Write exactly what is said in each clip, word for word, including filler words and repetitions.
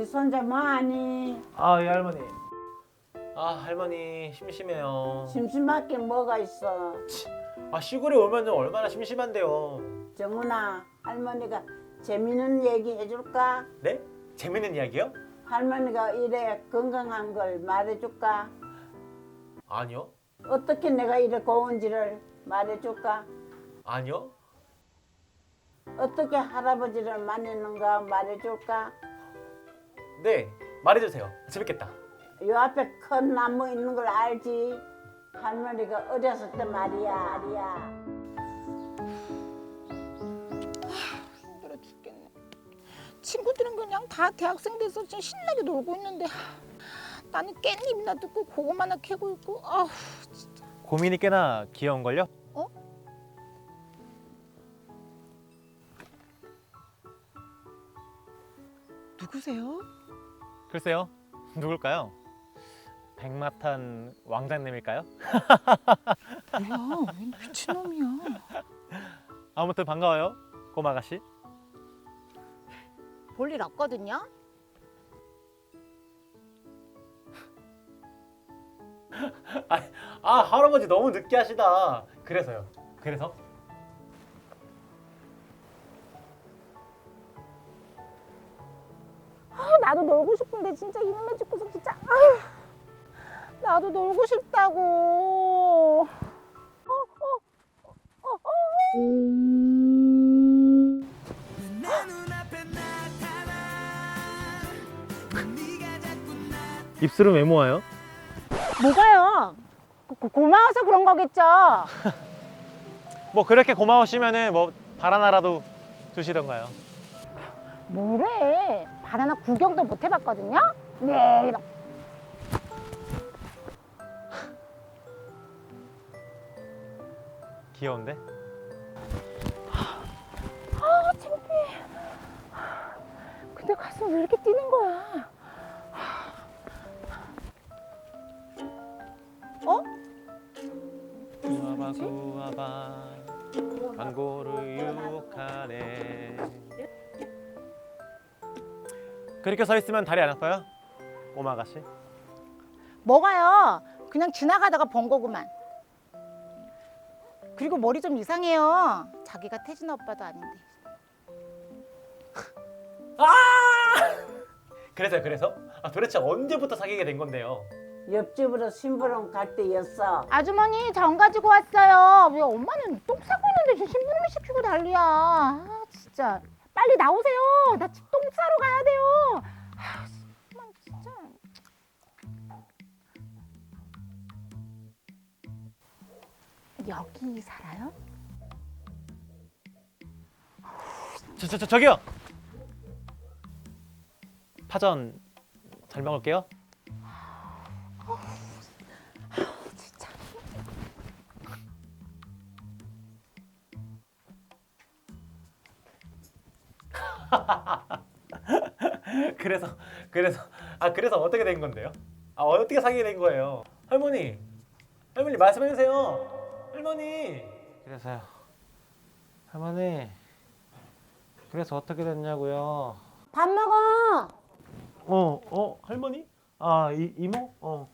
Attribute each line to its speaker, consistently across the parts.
Speaker 1: 손자 뭐하니?
Speaker 2: 아, 예, 할머니. 아, 할머니 심심해요.
Speaker 1: 심심하게 뭐가 있어?
Speaker 2: 아, 시골에 오면 얼마나 심심한데요.
Speaker 1: 정훈아, 할머니가 재밌는 얘기 해줄까?
Speaker 2: 네? 재밌는 이야기요?
Speaker 1: 할머니가 이래 건강한 걸 말해줄까?
Speaker 2: 아니요.
Speaker 1: 어떻게 내가 이래 고운지를 말해줄까?
Speaker 2: 아니요.
Speaker 1: 어떻게 할아버지를 만났는가 말해줄까?
Speaker 2: 네, 말해주세요. 재밌겠다.
Speaker 1: 요 앞에 큰 나무 있는 걸 알지? 할머니가 어렸을 때 말이야. 말이야.
Speaker 3: 힘들어 죽겠네. 친구들은 그냥 다 대학생 돼서 지금 신나게 놀고 있는데 나는 깻잎이나 뜯고 고구마나 캐고 있고. 아우 진짜.
Speaker 2: 고민이 꽤나 귀여운걸요?
Speaker 3: 어? 누구세요?
Speaker 2: 글쎄요. 누굴까요? 백마탄 왕자님일까요?
Speaker 3: 뭐야, 웬 미친놈이야.
Speaker 2: 아무튼 반가워요, 꼬마 아가씨.
Speaker 3: 볼 일 없거든요.
Speaker 2: 아, 아, 할아버지 너무 느끼하시다. 그래서요. 그래서?
Speaker 3: 아, 나도 놀고 싶은데 진짜 이놈의 집구석 진짜. 아휴, 나도 놀고 싶다고. 어, 어, 어, 어.
Speaker 2: 입술은 왜 모아요?
Speaker 3: 뭐가요? 고, 고, 고마워서 그런 거겠죠.
Speaker 2: 뭐 그렇게 고마우시면은 뭐 바나나라도 주시던가요.
Speaker 3: 뭐래? 바나나 구경도 못 해봤거든요. 네.
Speaker 2: 귀여운데?
Speaker 3: 아, 창피해. 근데 가슴 왜 이렇게 뛰는 거야? 어?
Speaker 2: 구아바 구아바 광고를 유혹하네. 그렇게 서 있으면 다리 안 아파요? 꼬마 아가씨?
Speaker 3: 뭐가요? 그냥 지나가다가 본 거구만. 그리고 머리 좀 이상해요. 자기가 태진아 오빠도 아닌데.
Speaker 2: 그래서요, 그래서? 아, 도대체 언제부터 사귀게 된 건데요?
Speaker 1: 옆집으로 심부름 갈 때였어.
Speaker 3: 아주머니 전 가지고 왔어요. 왜 엄마는 똥 싸고 있는데 지금 심부름을 시키고 난리야. 아 진짜 빨리 나오세요. 나 집 똥 싸러 가야 돼요. 아 정말 진짜. 여기 살아요?
Speaker 2: 저, 저, 저, 저기요! 파전 잘 먹을게요.
Speaker 3: 진짜.
Speaker 2: 그래서 그래서 아 그래서 어떻게 된 건데요? 아 어떻게 사귀게 된 거예요? 할머니, 할머니 말씀해 주세요. 할머니. 그래서요. 할머니. 그래서 어떻게 됐냐고요?
Speaker 1: 밥 먹어.
Speaker 2: 어, 어, 할머니? 아, 이, 이모? 어.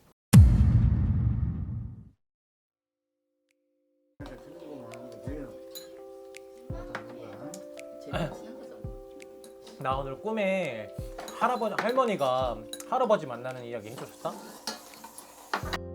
Speaker 2: 나 오늘 꿈에 할아버지, 할머니가 할아버지 만나는 이야기 해주셨다?